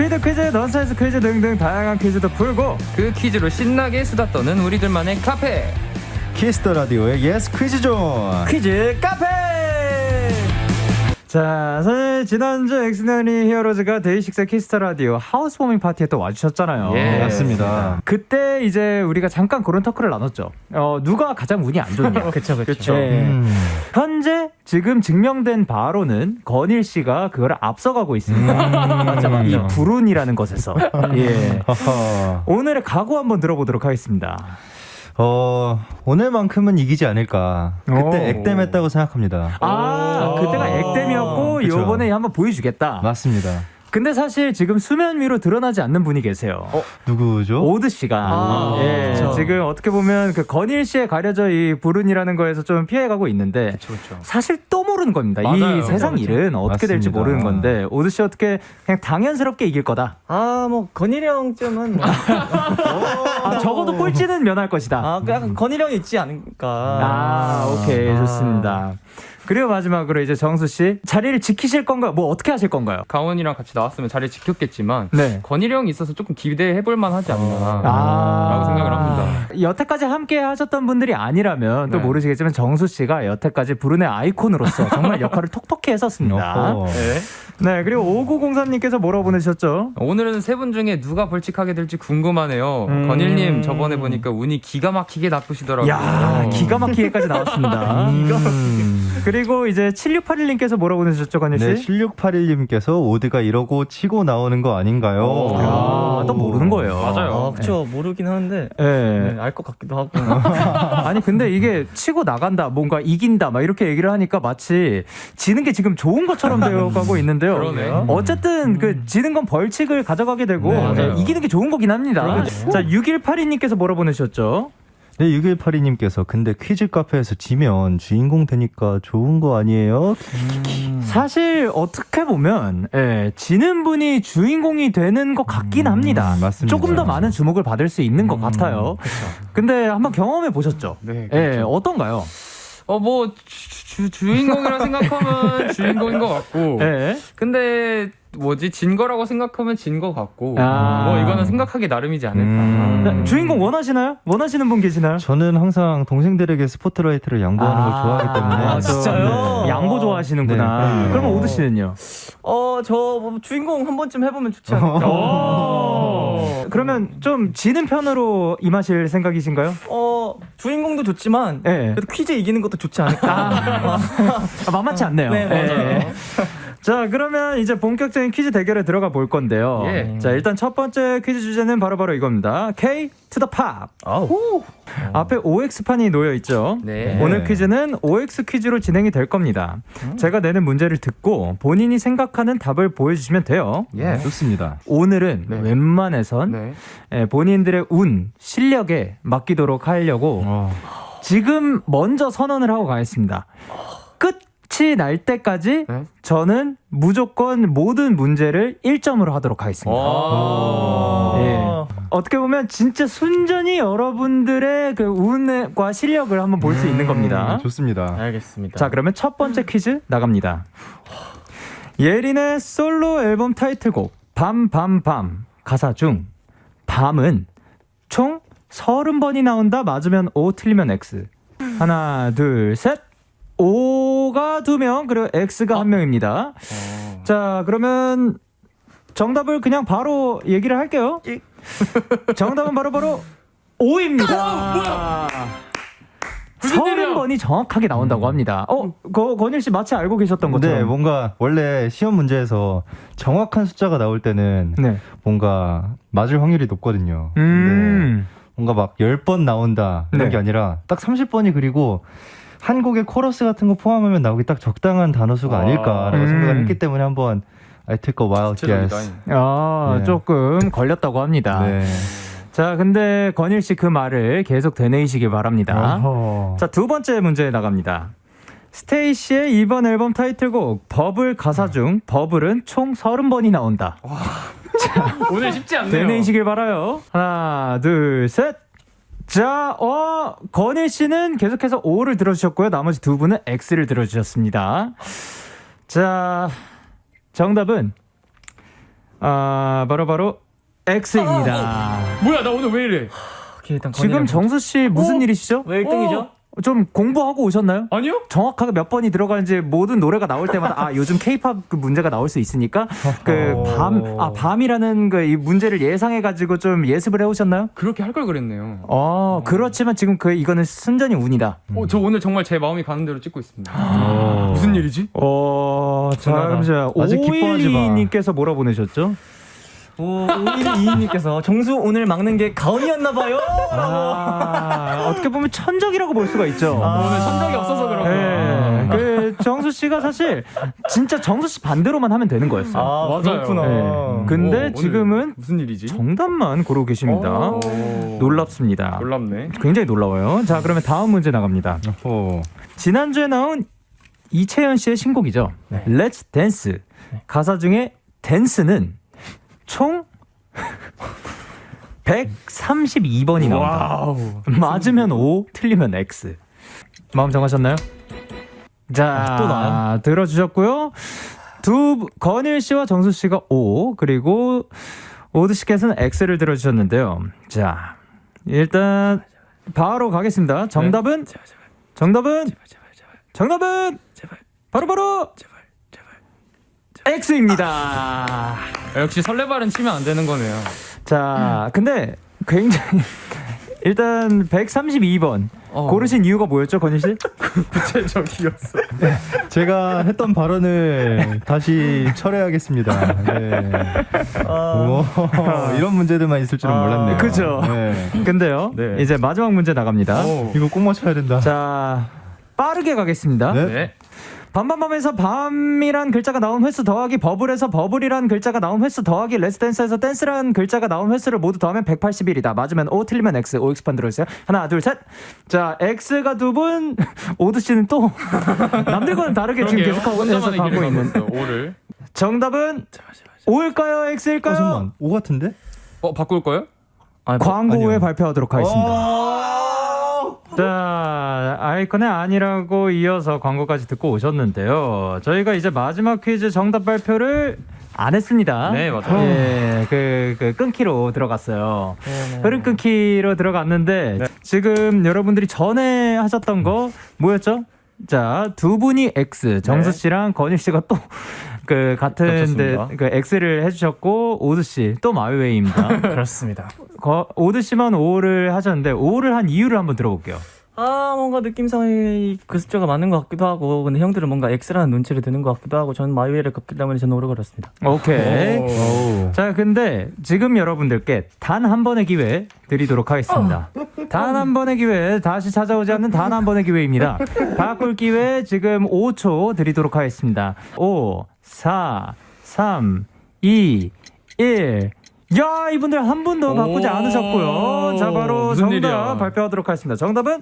스피드 퀴즈, 넌센스 퀴즈 등등 다양한 퀴즈도 풀고 그 퀴즈로 신나게 수다 떠는 우리들만의 카페. 키스터 라디오의 예스 퀴즈 존. 퀴즈 카페. 자, 사실 지난주 엑스너니 히어로즈가 데이식스 키스터 라디오 하우스워밍 파티에 또 와주셨잖아요. 예. 맞습니다. 그때 이제 우리가 잠깐 그런 토크를 나눴죠. 누가 가장 운이 안 좋냐. 그쵸. 네. 현재 지금 증명된 바로는 건일 씨가 그걸 앞서가고 있습니다. 맞죠. 이 불운이라는 것에서. 예. 오늘의 각오 한번 들어보도록 하겠습니다. 오늘만큼은 이기지 않을까. 그때 액땜했다고 생각합니다. 그때가 액땜이었고 그쵸. 요번에 한번 보여주겠다. 맞습니다. 근데 사실 지금 수면 위로 드러나지 않는 분이 계세요. 누구죠? 오드 씨가 지금 어떻게 보면 그 건일 씨에 가려져 이 불운이라는 거에서 좀 피해가고 있는데 그쵸. 사실 또 모르는 겁니다. 맞아요. 이 세상 일은 어떻게 될지 맞습니다. 모르는 건데 오드 씨 어떻게 그냥 당연스럽게 이길 거다. 뭐 건일이 형쯤은 적어도 꼴찌는 면할 것이다. 약간 건일이 형이 있지 않을까. 오케이 좋습니다. 그리고 마지막으로 이제 정수 씨 자리를 지키실 건가요? 뭐 어떻게 하실 건가요? 강원이랑 같이 나왔으면 자리를 지켰겠지만 네. 건일이 형이 있어서 조금 기대해볼 만하지 않나 라고 생각을 합니다. 여태까지 함께 하셨던 분들이 아니라면 또 네. 모르시겠지만 정수 씨가 여태까지 불운의 아이콘으로서 정말 역할을 톡톡히 했었습니다. 네, 그리고 5903님께서 뭐라고 보내주셨죠? 오늘은 세 분 중에 누가 벌칙하게 될지 궁금하네요. 건일님 저번에 보니까 운이 기가 막히게 나쁘시더라고요. 야, 기가 막히게까지 나왔습니다. 그리고 이제 7681님께서 뭐라고 보내주셨죠, 건일 씨? 네, 7681님께서 오드가 이러고 치고 나오는 거 아닌가요? 또 모르는 거예요. 맞아요. 그쵸. 모르긴 하는데 네. 알 것 같기도 하고. 아니 근데 이게 치고 나간다, 뭔가 이긴다, 막 이렇게 얘기를 하니까 마치 지는 게 지금 좋은 것처럼 되어가고 있는데요. 그러네. 어쨌든 그 지는 건 벌칙을 가져가게 되고 맞아요. 이기는 게 좋은 거긴 합니다. 자, 6182님께서 뭐라 보내셨죠? 네, 6182님께서 근데 퀴즈 카페에서 지면 주인공 되니까 좋은 거 아니에요? 사실 어떻게 보면 지는 분이 주인공이 되는 것 같긴 합니다. 맞습니다. 조금 더 많은 주목을 받을 수 있는 것 같아요. 근데 한번 경험해 보셨죠? 네, 그렇죠. 어떤가요? 뭐 주인공이라 생각하면 주인공인 것 같고 근데 뭐지 진 거라고 생각하면 진 거 같고 뭐 이거는 생각하기 나름이지 않을까. 주인공 원하시나요? 원하시는 분 계시나요? 저는 항상 동생들에게 스포트라이트를 양보하는 걸 좋아하기 때문에 진짜요? 네. 양보 좋아하시는구나. 네. 그러면 오드 씨는요? 저 주인공 한 번쯤 해보면 좋지 않을까. 그러면 좀 지는 편으로 임하실 생각이신가요? 주인공도 좋지만 그래도 퀴즈 이기는 것도 좋지 않을까. 만만치 않네요. 네, 맞아요. 자, 그러면 이제 본격적인 퀴즈 대결에 들어가 볼 건데요. 예. 자, 일단 첫 번째 퀴즈 주제는 바로 이겁니다. K to the pop. 앞에 OX판이 놓여 있죠. 네. 오늘 퀴즈는 OX 퀴즈로 진행이 될 겁니다. 제가 내는 문제를 듣고 본인이 생각하는 답을 보여주시면 돼요. 예. 좋습니다. 오늘은 네. 웬만해선 본인들의 운, 실력에 맡기도록 하려고 지금 먼저 선언을 하고 가겠습니다. 끝이 날 때까지 저는 무조건 모든 문제를 1점으로 하도록 하겠습니다. 어떻게 보면 진짜 순전히 여러분들의 그 운과 실력을 한번 볼 수 있는 겁니다. 좋습니다. 알겠습니다. 자, 그러면 첫 번째 퀴즈 나갑니다. 예린의 솔로 앨범 타이틀곡 밤밤밤 가사 중 밤은 총 30번이 나온다. 맞으면 O, 틀리면 X. 하나, 둘, 셋. O가 2명, 그리고 X가 1명입니다. 자, 그러면 정답을 그냥 바로 얘기를 할게요. 정답은 바로 O입니다. 30번이 정확하게 나온다고 합니다. 건일 씨 마치 알고 계셨던 것처럼. 네, 뭔가 원래 시험 문제에서 정확한 숫자가 나올 때는 뭔가 맞을 확률이 높거든요. 근데 뭔가 막 10번 나온다 이런 게 아니라 딱 30번이 그리고 한 곡의 코러스 같은 거 포함하면 나오기 딱 적당한 단어 수가 아닐까라고 생각을 했기 때문에 한번 I took a wild guess. 조금 걸렸다고 합니다. 자, 근데 건일 씨 그 말을 계속 되뇌이시길 바랍니다. 자, 두 번째 문제 나갑니다. 스테이시의 이번 앨범 타이틀곡 버블 가사 중 버블은 총 30번이 나온다. 자, 오늘 쉽지 않네요. 되뇌이시길 바라요. 하나, 둘, 셋. 자, 건일 씨는 계속해서 O를 들어주셨고요. 나머지 두 분은 X를 들어주셨습니다. 자, 정답은 바로 X입니다. 뭐야 나 오늘 왜 이래? 오케이, 일단 지금 정수 씨 무슨 일이시죠? 왜 1등이죠? 좀 공부하고 오셨나요? 아니요? 정확하게 몇 번이 들어가는지 모든 노래가 나올 때마다 요즘 K-팝 그 문제가 나올 수 있으니까 밤이라는 그 이 문제를 예상해 가지고 좀 예습을 해 오셨나요? 그렇게 할 걸 그랬네요. 그렇지만 지금 이거는 순전히 운이다. 저 오늘 정말 제 마음이 가는 대로 찍고 있습니다. 무슨 일이지? 자, 아직 기뻐하지 마. 512님께서 뭐라 보내셨죠? 5122님께서 정수 오늘 막는 게 가온이었나봐요. 어떻게 보면 천적이라고 볼 수가 있죠. 오늘 천적이 없어서 그런가. 그 정수 씨가 사실 진짜 정수 씨 반대로만 하면 되는 거였어요. 맞아요. 그렇구나. 근데 오늘 지금은 무슨 일이지? 정답만 고르고 계십니다. 놀랍습니다. 놀랍네. 굉장히 놀라워요. 자, 그러면 다음 문제 나갑니다. 지난주에 나온 이채연 씨의 신곡이죠. Let's Dance. 가사 중에 댄스는 총 132번이 나온다. 맞으면 O, 틀리면 X. 마음 정하셨나요? 자, 또 나요? 들어주셨고요. 건일 씨와 정수 씨가 O, 그리고 오드 씨께서는 X를 들어주셨는데요. 자, 일단 바로 가겠습니다. 정답은 바로 X입니다. 역시 설레발은 치면 안 되는 거네요. 자, 근데 굉장히 일단 132번 고르신 이유가 뭐였죠, 건희 씨? 구체적이었어. 제가 했던 발언을 다시 철회하겠습니다. 네. 이런 문제들만 있을 줄은 몰랐네요. 그죠. 네. 근데요, 네. 이제 마지막 문제 나갑니다. 이거 꼭 맞춰야 된다. 자, 빠르게 가겠습니다. 네. 밤밤밤에서 밤이란 글자가 나온 횟수 더하기 버블에서 버블이란 글자가 나온 횟수 더하기 레스댄스에서 댄스란 글자가 나온 횟수를 모두 더하면 181이다. 맞으면 O, 틀리면 X. OX판 들어주세요. 하나, 둘, 셋. 자, X가 2분, 오드 씨는 또 남들과는 다르게 지금 계속하고 해석하고 있는. O를. 정답은 O일까요? X일까요? 잠깐만, O 같은데? 바꿀 거예요? 광고 후에 아니요. 발표하도록 하겠습니다. 자, 아이콘의 아니라고 이어서 광고까지 듣고 오셨는데요. 저희가 이제 마지막 퀴즈 정답 발표를 안 했습니다. 네, 맞아요. 예, 그 끊기로 들어갔어요. 흐름 끊기로 들어갔는데 지금 여러분들이 전에 하셨던 거 뭐였죠? 자, 두 분이 X, 정수 씨랑 건일 씨가 또 그 같은데 그 X를 해주셨고 오드 씨 또 마이웨이입니다. 그렇습니다. 오드 씨만 O를 하셨는데 O를 한 이유를 한번 들어볼게요. 뭔가 느낌상에 그 숫자가 맞는 것 같기도 하고, 근데 형들은 뭔가 X라는 눈치를 드는 것 같기도 하고, 저는 마이웨이를 걷기 때문에 저는 오래 걸었습니다. 오케이. 자, 근데 지금 여러분들께 단 한 번의 기회 드리도록 하겠습니다. 단 한 번의 기회, 다시 찾아오지 않는 단 한 번의 기회입니다. 바꿀 기회 지금 5초 드리도록 하겠습니다. 5, 4, 3, 2, 1. 야, 이분들 한 분도 바꾸지 않으셨고요. 자, 바로 정답 일이야. 발표하도록 하겠습니다. 정답은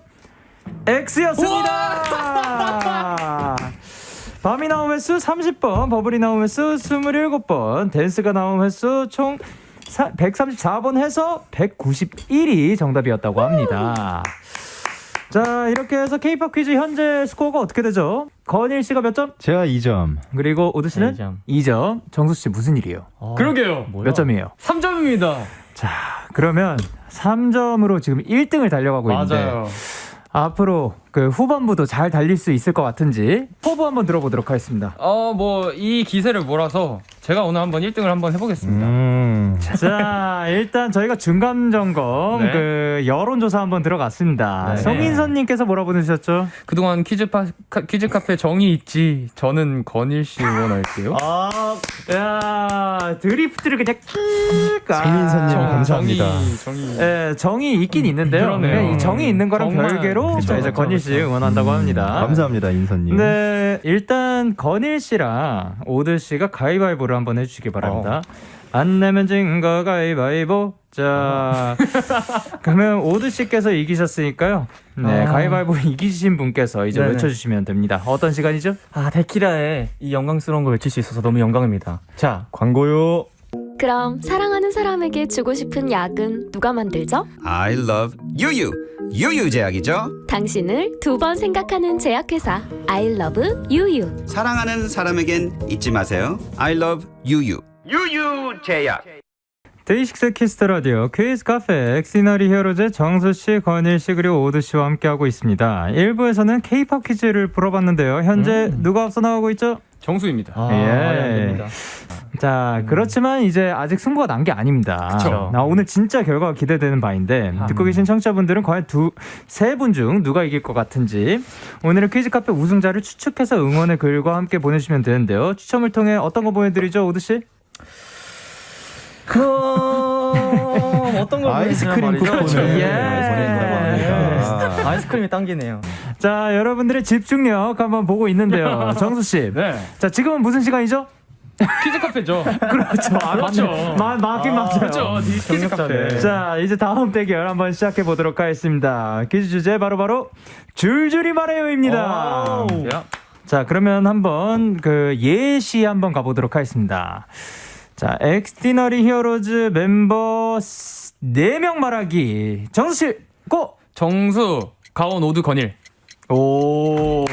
X였습니다. 밤이 나온 횟수 30번, 버블이 나온 횟수 27번, 댄스가 나온 횟수 총 134번 해서 191이 정답이었다고 합니다. 자, 이렇게 해서 K-팝 퀴즈 현재 스코어가 어떻게 되죠? 건일 씨가 몇 점? 제가 2점. 그리고 오드 씨는 2점. 2점. 정수 씨 무슨 일이에요? 그러게요. 몇 점이에요? 3점입니다. 자, 그러면 3점으로 지금 1등을 달려가고 있는데 맞아요. 앞으로 그 후반부도 잘 달릴 수 있을 것 같은지 포부 한번 들어보도록 하겠습니다. 이 기세를 몰아서 제가 오늘 한번 1등을 한번 해보겠습니다. 자, 일단 저희가 중간 점검 네. 그 여론조사 한번 들어갔습니다. 네. 성인선님께서 뭐라 보내주셨죠? 그동안 퀴즈 카페 정이 있지. 저는 건일 씨 응원할게요. 야, 드리프트를 그냥 성인선님 감사합니다. 정이. 예, 정이 있긴 있는데요. 그러네요. 이 정이 있는 거랑 정말, 별개로 그쵸, 이제 그쵸, 건일 씨 그쵸. 응원한다고 합니다. 감사합니다, 인선님. 네, 일단 건일 씨랑 오드 씨가 가위바위보를 한번 해주시기 바랍니다. 안 내면 진 거 가위바위보. 자, 그러면 오드 씨께서 이기셨으니까요. 네, 가위바위보 이기신 분께서 이제 네네. 외쳐주시면 됩니다. 어떤 시간이죠? 데키라의 이 영광스러운 걸 외칠 수 있어서 너무 영광입니다. 자, 광고요. 그럼 사랑하는 사람에게 주고 싶은 약은 누가 만들죠? I love 유유. 유유 제약이죠. 당신을 두 번 생각하는 제약회사 I love 유유. 사랑하는 사람에겐 잊지 마세요. I love 유유. 유유제약. 데이식스 키스터 라디오 퀴즈 카페 엑시너리 히어로즈 정수 씨, 건일 씨 그리고 오드 씨와 함께하고 있습니다. 1부에서는 K-팝 퀴즈를 풀어봤는데요. 현재 누가 앞서 나가고 있죠? 정수입니다. 안 됩니다. 자, 그렇지만 이제 아직 승부가 난 게 아닙니다. 그쵸. 오늘 진짜 결과가 기대되는 바인데 듣고 계신 청취자분들은 과연 세 분 중 누가 이길 것 같은지 오늘은 퀴즈 카페 우승자를 추측해서 응원의 글과 함께 보내주시면 되는데요. 추첨을 통해 어떤 거 보내드리죠, 오드 씨? 어떤 걸 아이스크림 쿠폰을 예. 보내드립니다. 아이스크림이 당기네요. 자, 여러분들의 집중력 한번 보고 있는데요. 정수 씨. 네. 자, 지금은 무슨 시간이죠? 퀴즈 카페죠. 그렇죠. 그렇죠. 맞긴 맞아요. 그렇죠. 퀴즈 카페. 자, 이제 다음 대결 한번 시작해 보도록 하겠습니다. 퀴즈 주제 바로 줄줄이 말해요입니다. 야. 자, 그러면 한번 그 예시 한번 가보도록 하겠습니다. 자, 엑스티너리 히어로즈 멤버 4명 말하기. 정수 씨, 고! 정수, 가온, 오드, 건일. 오.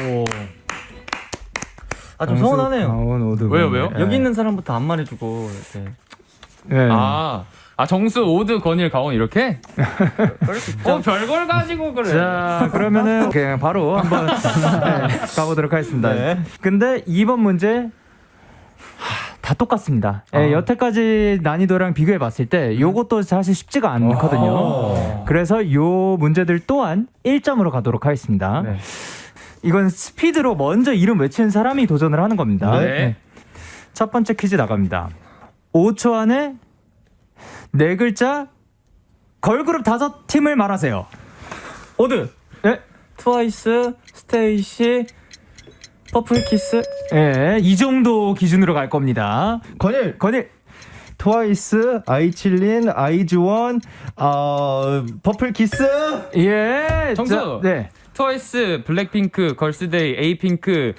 좀 서운하네요. 왜요? 여기 있는 사람부터 안 말해주고 이렇게. 네. 정수, 오드, 건일, 가온 이렇게? 별걸 가지고 그래. 자, 그러면은 그냥 바로 한번 가보도록 하겠습니다. 근데 이번 문제 다 똑같습니다. 여태까지 난이도랑 비교해 봤을 때 요것도 사실 쉽지가 않거든요. 그래서 요 문제들 또한 1점으로 가도록 하겠습니다. 네. 이건 스피드로 먼저 이름 외치는 사람이 도전을 하는 겁니다. 네. 첫 번째 퀴즈 나갑니다. 5초 안에 4글자 걸그룹 5팀을 말하세요. 오드. 네. 트와이스, 스테이시, 퍼플키스. 예, 이 정도 기준으로 갈 겁니다. 건일 트와이스, 아이칠린, 아이즈원, 퍼플키스. 예. 정수. 자, 네. 트와이스, 블랙핑크, 걸스데이, 에이핑크.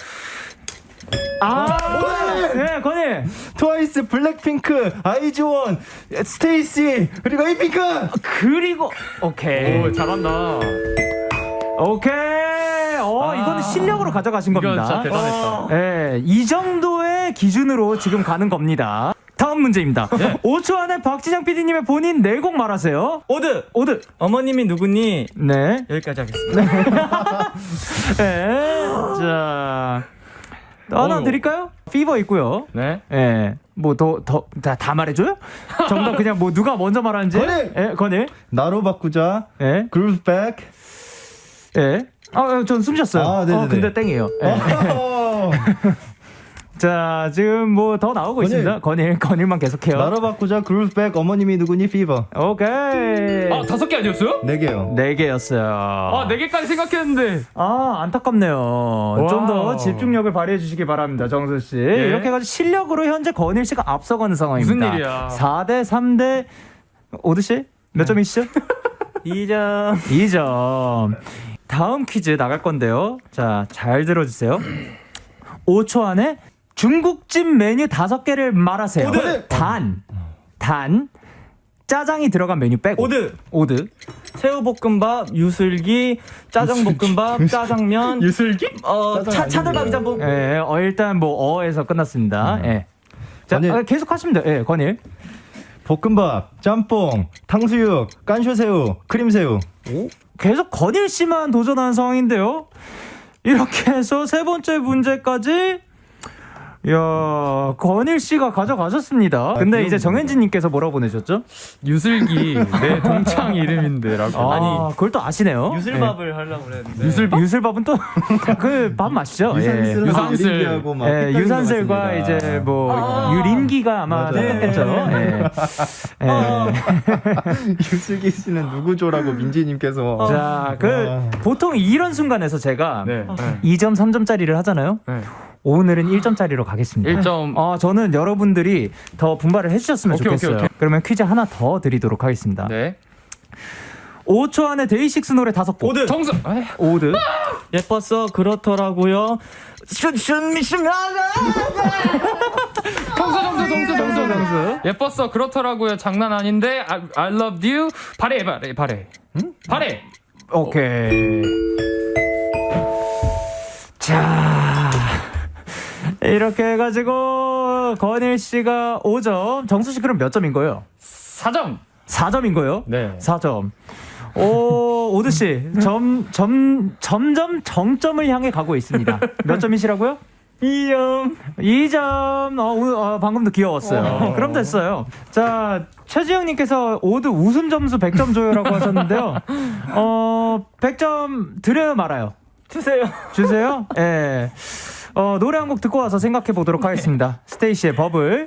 네, 건일. 트와이스, 블랙핑크, 아이즈원, 스테이시, 그리고 에이핑크. 그리고 오케이. 잘한다. 오케이. 이거는 실력으로 가져가신 이건 겁니다. 진짜 대단했다. 예, 이 정도의 기준으로 지금 가는 겁니다. 다음 문제입니다. 5초 안에 박지장 PD님의 본인 4곡 말하세요. 오드. 어머님이 누구니? 네. 여기까지 하겠습니다. 네. 자, 하나 드릴까요? 피버 있고요. 네. 예. 뭐 다 말해줘요? 정답 그냥 뭐 누가 먼저 말하는지. 건일! 예, 건일. 나로 바꾸자. 예. 그루브백. 예. 전 숨 쉬었어요. 네네네. 근데 땡이에요. 예. 자, 지금 뭐 더 나오고 있습니다. 건일만 계속해요. 나로 바꾸자. 그루브백. 어머님이 누구니? 피버. 오케이. 5개 아니었어요? 4개요. 4개였어요. 4개까지 생각했는데. 안타깝네요. 좀 더 집중력을 발휘해 주시기 바랍니다, 정수 씨. 이렇게 해가지고 실력으로 현재 건일 씨가 앞서가는 상황입니다. 무슨 일이야? 4대 3대 오드 씨? 몇 점이시죠? 2점. 2점. 다음 퀴즈 나갈 건데요. 자, 잘 들어주세요. 5초 안에 중국집 메뉴 5개를 말하세요. 단 짜장이 들어간 메뉴 빼고. 오드. 새우볶음밥, 유슬기, 짜장볶음밥, 짜장면. 유슬기? 차돌박이 짬뽕. 예, 일단 뭐 어에서 끝났습니다. 예. 자, 건일. 계속 하시면 돼요. 예, 건일. 볶음밥, 짬뽕, 탕수육, 깐쇼새우, 크림새우. 계속 건일 씨만 도전하는 상황인데요. 이렇게 해서 세 번째 문제까지 건일 씨가 가져가셨습니다. 근데 이제 정현진 님께서 뭐라고 보내셨죠? 유슬기 내 동창 이름인데라고. 그걸 또 아시네요. 유슬밥을 하려고 그랬는데. 유슬밥은 또 그 밥 맛이죠. 유산슬. 유산슬과 이제 뭐 유린기가 아마 생겼겠죠. 유슬기 씨는 누구죠라고 민지님께서. 자, 보통 이런 순간에서 제가 네. 2점, 3점짜리를 하잖아요. 네. 오늘은 1점짜리로 가겠습니다. 1점. 저는 여러분들이 더 분발을 해주셨으면 좋겠어요. 오케이. 그러면 퀴즈 하나 더 드리도록 하겠습니다. 네. 5초 안에 데이식스 노래 5곡. 정수. 오드. 예뻤어 그렇더라고요. 정수. 예뻤어 그렇더라고요. 장난 아닌데. I love you. 바래. 바래. 오케이. 자, 이렇게 해가지고 건일 씨가 5점, 정수 씨 그럼 몇 점인 거예요? 4점. 4점인 거예요? 네. 4점. 오드 씨, 점점 정점을 향해 가고 있습니다. 몇 점이시라고요? 2점. 2점. 방금도 귀여웠어요. 그럼 됐어요. 자, 최지영님께서 오드 웃음 점수 100점 줘요라고 하셨는데요. 100점 드려요, 말아요? 주세요. 주세요? 예. 노래 한 곡 듣고 와서 생각해 보도록 하겠습니다. 스테이시의 버블.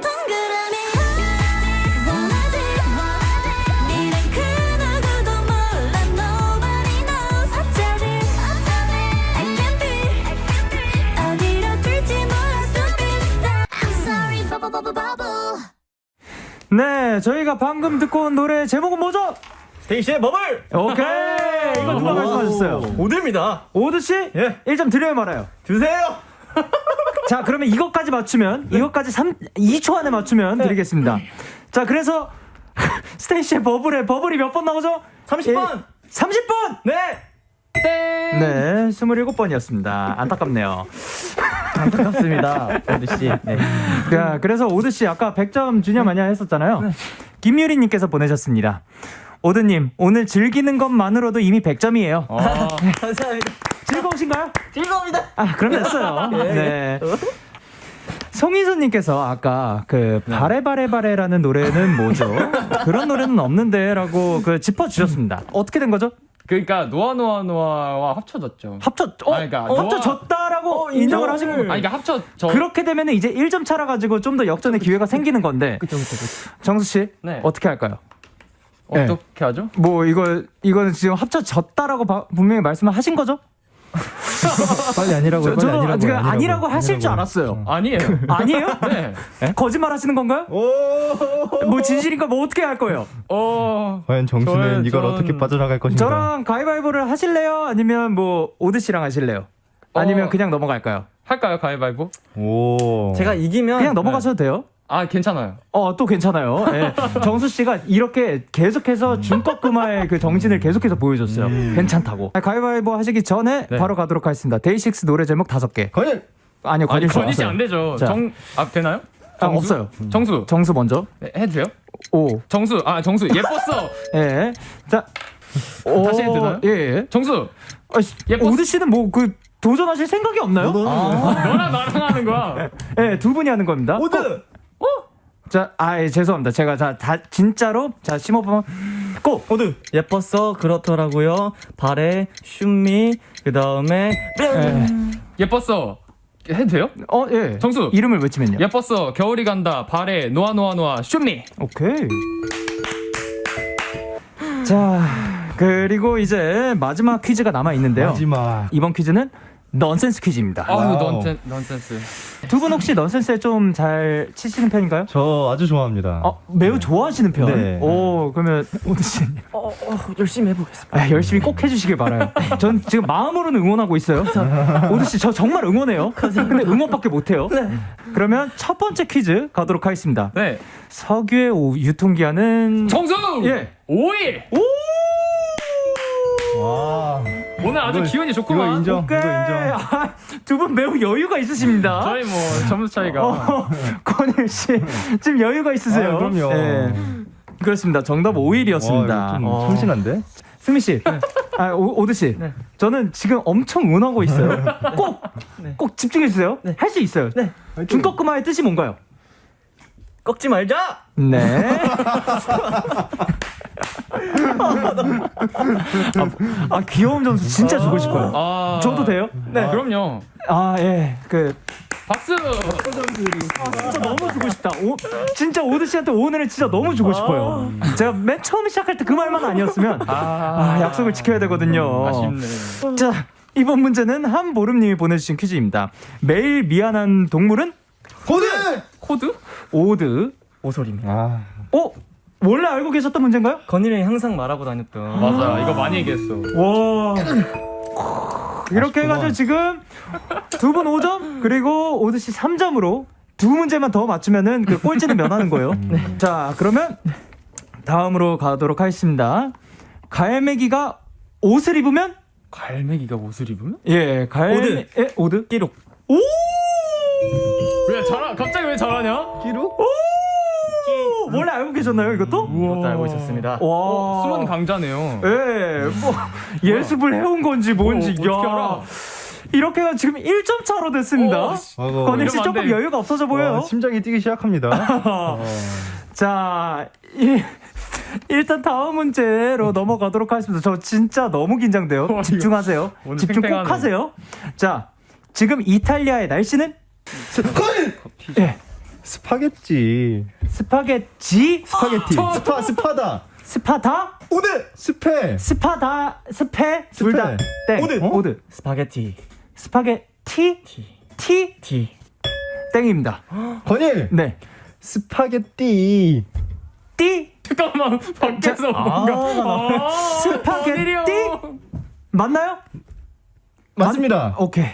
네, 저희가 방금 듣고 온 노래 제목은 뭐죠? 스테이시의 버블. 오케이. 이거 누가 말씀하셨어요? 오드입니다. 오드 씨? 예. 1점 드려요, 말아요? 주세요. 자, 그러면 이것까지 맞추면, 이것까지 2초 안에 맞추면 드리겠습니다. 자, 그래서 스테이시의 버블이 몇 번 나오죠? 30번. 30번! 네. 땡. 네, 27번이었습니다. 안타깝네요. 안타깝습니다. 오드 씨. 네. 자, 그래서 오드 씨 아까 100점 주냐 마냐 했었잖아요. 김유리 님께서 보내셨습니다. 오드님, 오늘 즐기는 것만으로도 이미 100점이에요. 감사합니다. 즐거우신가요? 즐거웁니다. 아, 그럼 됐어요. 네. 송희수님께서 아까 그 바레바레바레라는 노래는 뭐죠? 그런 노래는 없는데라고 그 짚어주셨습니다. 어떻게 된 거죠? 그러니까 노아와 합쳐졌죠. 그러니까 합쳐졌다라고 인정을 하신 거예요. 그러니까 그렇게 되면 이제 1점 차라 가지고 좀 더 역전의 기회가 생기는 건데. 그쵸. 정수 씨, 네. 어떻게 할까요? 어떻게 하죠? 뭐 이거는 지금 합쳐졌다라고 분명히 말씀을 하신 거죠? 빨리 아니라고요. 빨리 저도 아니라고요. 아니라고 하실 줄 알았어요. 아니에요. 아니에요? 네. 거짓말 하시는 건가요? 뭐 진실인가 뭐 어떻게 할 거예요? 과연 정수는 이걸 전- 어떻게 빠져나갈 것인가? 저랑 가위바위보를 하실래요? 아니면 뭐 오드 씨랑 하실래요? 아니면 그냥 넘어갈까요? 할까요, 가위바위보? 오. 제가 이기면 그냥 넘어가셔도 돼요. 아, 괜찮아요. 또 괜찮아요. 예. 정수 씨가 이렇게 계속해서 중꺾음화의 그 정신을 계속해서 보여줬어요. 괜찮다고. 가위바위보 하시기 전에 네. 바로 가도록 하겠습니다. 데이식스 노래 제목 5개. 건일. 아니요, 아니, 건일 씨 건이지 없어요. 안 되죠. 자. 되나요? 정수? 없어요. 정수. 정수 먼저. 네, 해도 돼요? 5. 정수. 예뻤어. 예. 자. 다시 해도 되나요? 예. 정수. 예뻤어. 오드 씨는 뭐 그 도전하실 생각이 없나요? 너랑 나랑 하는 거야. 예, 두 분이 하는 겁니다. 오드. 자, 죄송합니다. 제가 다 진짜로 심호흡 고! 오드. 예뻤어. 그렇더라고요. 발에 슈미. 그 다음에 예뻤어. 해도 돼요? 예. 정수. 이름을 외치면요. 예뻤어. 겨울이 간다. 발에 노아 슈미. 오케이. 자, 그리고 이제 마지막 퀴즈가 남아 있는데요. 마지막. 이번 퀴즈는 넌센스 퀴즈입니다. 아유, 와우. 넌센스. 두 분 혹시 넌센스에 좀 잘 치시는 편인가요? 저 아주 좋아합니다. 매우 좋아하시는 편. 네. 오, 그러면 오드 씨. 열심히 해보겠습니다. 열심히 꼭 해주시길 바라요. 전 지금 마음으로는 응원하고 있어요. 오드 씨, 저 정말 응원해요. 근데 응원밖에 못해요. 그러면 첫 번째 퀴즈 가도록 하겠습니다. 네. 석유의 유통기한은 정수. 예. 5일. 와. 오늘 아주 기분이 좋구만. 이거 인정. 오케이. 이거 인정. 두 분 매우 여유가 있으십니다. 저희 뭐 점수 차이가. 권일 씨, 지금 여유가 있으세요. 그럼요. 네. 그렇습니다. 정답 5일이었습니다. 와, 이거 좀 성실한데? 승미 씨, 오드 씨, 저는 지금 엄청 응원하고 있어요. 꼭 집중해 주세요. 할 수 있어요. 중꺾음화의 뜻이 뭔가요? 꺾지 말자. 네. 귀여운 점수 진짜 주고 싶어요. 저도 돼요? 네. 그럼요. 예. 박수. 진짜 너무 주고 싶다. 진짜 오드 씨한테 오늘은 진짜 너무 주고 싶어요. 제가 맨 처음 시작할 때 그 말만 아니었으면 약속을 지켜야 되거든요. 아쉽네. 자, 이번 문제는 한보름님이 보내주신 퀴즈입니다. 매일 미안한 동물은 코드? 오드. 오소리입니다. 원래 알고 계셨던 문제인가요? 건일이 항상 말하고 다녔던. 맞아. 이거 많이 얘기했어. 와. 이렇게 해가지고 지금 두 분 5점 그리고 오드 씨 3점으로 두 문제만 더 맞추면은 그 꼴찌는 면하는 거예요. 자, 그러면 다음으로 가도록 하겠습니다. 갈매기가 옷을 입으면? 갈매기가 옷을 입으면? 예, 오드. 기록. 오! 갑자기 왜 잘하냐? 끼로? 원래 알고 계셨나요 이것도? 이것도 알고 있었습니다. 와. 숨은 강자네요. 예, 뭐 예습을 해온 건지 뭔지. 어떻게 알아? 이렇게가 지금 1점 차로 됐습니다. 아이고. 건일 씨 이러면 안 조금 돼. 여유가 없어져 보여요. 심장이 뛰기 시작합니다. 자, 일단 다음 문제로 넘어가도록 하겠습니다. 저 진짜 너무 긴장돼요. 집중하세요. 오늘 집중 꼭 팽팽하네. 하세요. 자, 지금 이탈리아의 날씨는 예, 스파게티. 스파게티, 스파게티. 스파다. 스파다, 오드. 스페. 스파다, 스페, 둘 다 땡. 오드. 오드. 스파게티. 스파게티, 티, 티. 땡입니다. 건일. 네, 스파게티. 띠, 잠깐만 밖에서 뭔가 스파게티 맞나요? 맞습니다. 오케이.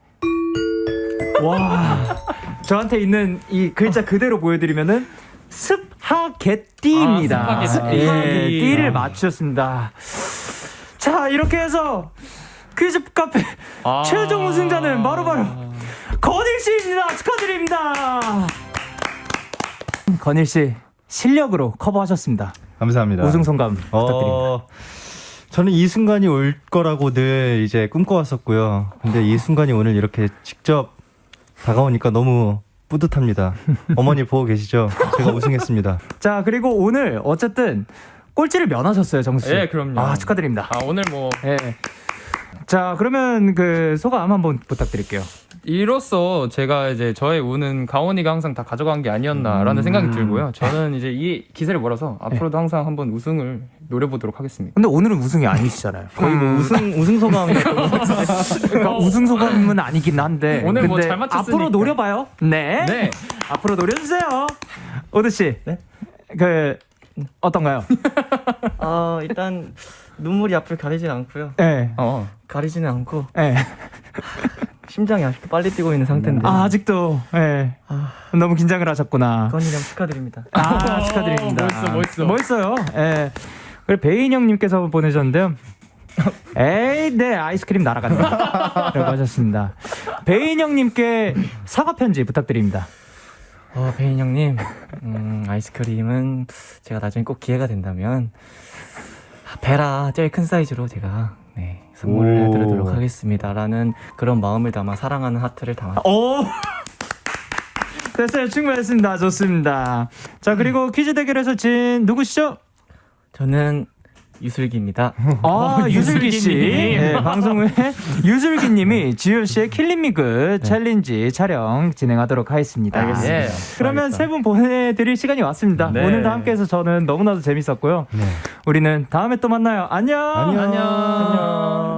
와, 저한테 있는 이 글자 그대로 보여드리면은 스파게티입니다. 아, 스파게티. 예, 띠를 맞추셨습니다. 자, 이렇게 해서 퀴즈 카페 최종 우승자는 바로바로 건일 씨입니다. 축하드립니다. 건일 씨 실력으로 커버하셨습니다. 감사합니다. 우승 소감 부탁드립니다. 저는 이 순간이 올 거라고 늘 이제 꿈꿔왔었고요. 근데 이 순간이 오늘 이렇게 직접 다가오니까 너무 뿌듯합니다. 어머니 보고 계시죠? 제가 우승했습니다. 자, 그리고 오늘 어쨌든 꼴찌를 면하셨어요, 정수 씨. 예, 그럼요. 아, 축하드립니다. 오늘 뭐 예. 자, 그러면 그 소감 한번 부탁드릴게요. 이로써 제가 이제 저의 운은 가온이가 항상 다 가져간 게 아니었나라는 생각이 들고요. 저는 이제 이 기세를 몰아서 앞으로도 항상 한번 우승을 노려보도록 하겠습니다. 근데 오늘은 우승이 아니시잖아요. 거의 뭐 우승 소감이 그러니까 우승 소감은 아니긴 한데. 오늘 뭐 근데 잘 맞췄으니까. 앞으로 노려봐요. 네. 네. 앞으로 노려주세요. 오드 씨. 네? 그 어떤가요? 일단 눈물이 앞을 가리진 않고요. 예. 가리지는 않고 예. 심장이 아직도 빨리 뛰고 있는 상태인데. 아, 아직도. 예. 너무 긴장을 하셨구나. 건이랑 축하드립니다. 축하드립니다. 멋있어요. 예. 그리고 배인 형님께서 보내셨는데요. 에이, 네, 아이스크림 날아간다. 라고 하셨습니다. 배인 형님께 사과 편지 부탁드립니다. 배인 형님, 아이스크림은 제가 나중에 꼭 기회가 된다면 베라 제일 큰 사이즈로 제가 선물을 해드리도록 하겠습니다라는 그런 마음을 담아 사랑하는 하트를 담아. 오! 됐어요. 충분했습니다. 좋습니다. 자, 그리고 퀴즈 대결에서 진 누구시죠? 저는 유슬기입니다. 유슬기 씨. 네, 방송 후에 유슬기 님이 지효 씨의 킬링미그 챌린지 촬영 진행하도록 하겠습니다. 알겠습니다. 예. 그러면 세 분 보내드릴 시간이 왔습니다. 네. 오늘도 함께해서 저는 너무나도 재밌었고요. 네. 우리는 다음에 또 만나요. 안녕. 안녕. 안녕.